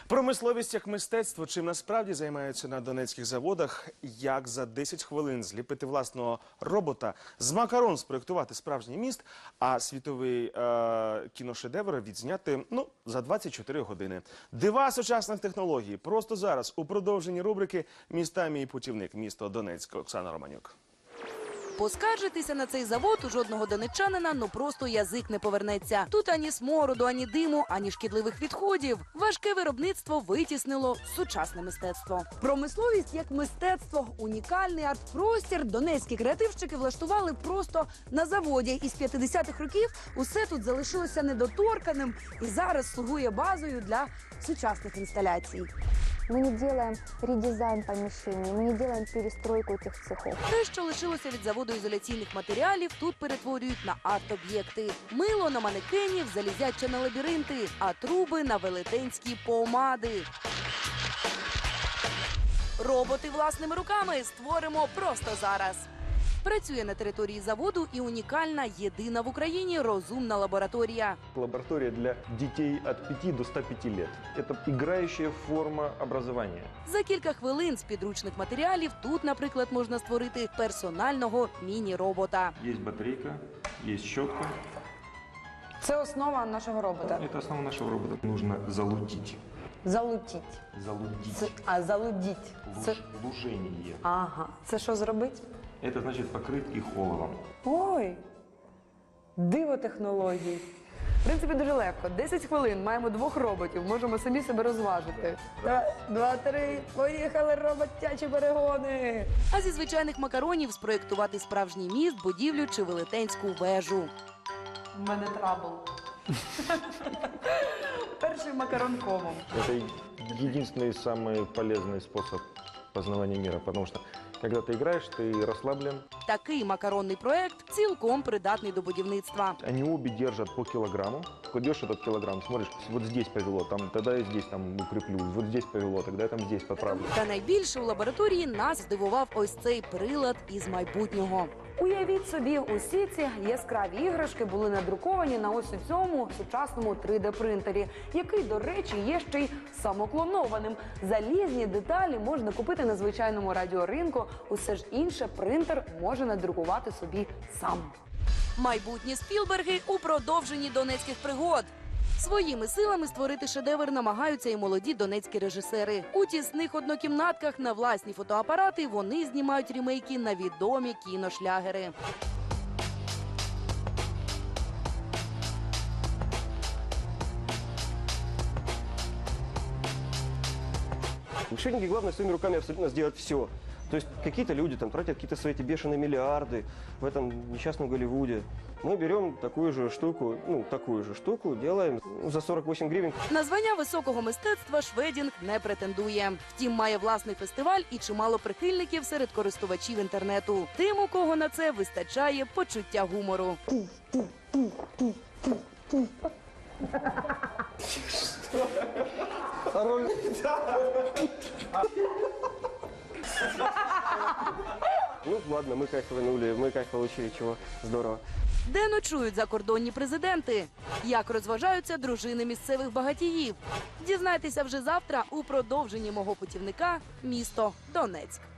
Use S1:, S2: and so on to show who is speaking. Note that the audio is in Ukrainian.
S1: Промисловість як мистецтво. Чим насправді займаються на донецьких заводах? Як за 10 хвилин зліпити власного робота, з макарон спроєктувати справжній міст, а світовий кіношедевр відзняти, за 24 години. Дива сучасних технологій. Просто зараз у продовженні рубрики «Міста. Мій путівник». Місто Донецьк. Оксана Романюк.
S2: Поскаржитися на цей завод у жодного донеччанина просто язик не повернеться. Тут ані смороду, ані диму, ані шкідливих відходів. Важке виробництво витіснило сучасне мистецтво. Промисловість як мистецтво, унікальний арт-простір донецькі креативщики влаштували просто на заводі. Із 50-х років усе тут залишилося недоторканим і зараз слугує базою для сучасних інсталяцій.
S3: Мы не делаем редизайн помещений, мы не делаем перестройку этих цехов.
S2: Те, що лишилося від заводу ізоляційних матеріалів, тут перетворюють на арт-об'єкти. Мило на манекенів, залізяче на лабіринти, а труби на велетенські помади. Роботи власними руками створимо просто зараз. Працює на території заводу і унікальна, єдина в Україні розумна лабораторія.
S4: Лаборатория для детей от 5 до 105 лет. Это играющая форма образования.
S2: За кілька хвилин з підручних матеріалів тут, наприклад, можна створити персонального міні-робота.
S4: Есть батарейка, есть щетка.
S5: Це основа нашого робота.
S4: Это основа нашего робота. Нужно залудить.
S5: Залутіть.
S4: Залудить.
S5: Залудіть. Це...
S4: Лужение.
S5: Ага. Це що зробить?
S4: Это значит покрыть их оловом.
S5: Ой, диво технологій. В принципі, дуже легко. 10 хвилин, маємо 2 роботів, можемо самі себе розважити. 2, 3, поїхали, роботячі перегони!
S2: А зі звичайних макаронів спроєктувати справжній міст, будівлю чи велетенську вежу.
S5: У мене трабл. Перший макарон комом.
S4: Это единственный самый полезный способ познавания мира, потому что когда ты играешь, ты расслаблен.
S2: Такий макаронний проект цілком придатний до будівництва.
S4: Они обе держат по килограмму. Кладешь этот килограмм, смотришь, вот здесь повело, тогда я здесь укреплю, вот здесь повело, тогда я там здесь поправлю.
S2: Та найбільше у лабораторії нас здивував ось цей прилад із майбутнього.
S5: Уявіть собі, усі ці яскраві іграшки були надруковані на ось у цьому сучасному 3D-принтері, який, до речі, є ще й самоклонованим. Залізні деталі можна купити на звичайному радіоринку, усе ж інше принтер може надрукувати собі сам.
S2: Майбутні Спілберги у продовженні донецьких пригод. Своїми силами створити шедевр намагаються і молоді донецькі режисери. У тісних однокімнатках на власні фотоапарати вони знімають рімейки на відомі кіношлягери.
S6: Решебники, главное, своими руками абсолютно сделать все. То есть какие-то люди там тратят какие-то свои эти бешеные миллиарды в этом несчастном Голливуде. Мы берем такую же штуку, делаем за 48 гривен.
S2: На звання високого мистецтва Шведінг не претендує. Втім, має власний фестиваль і чимало прихильників серед користувачів інтернету. Тим, у кого на це вистачає почуття гумору.
S6: Ну ладно, мы кайфанули, мы кайф получили, чего здорово.
S2: Де ночують закордонні президенти? Як розважаються дружини місцевих багатіїв? Дізнайтеся вже завтра у продовженні мого путівника «Місто Донецьк».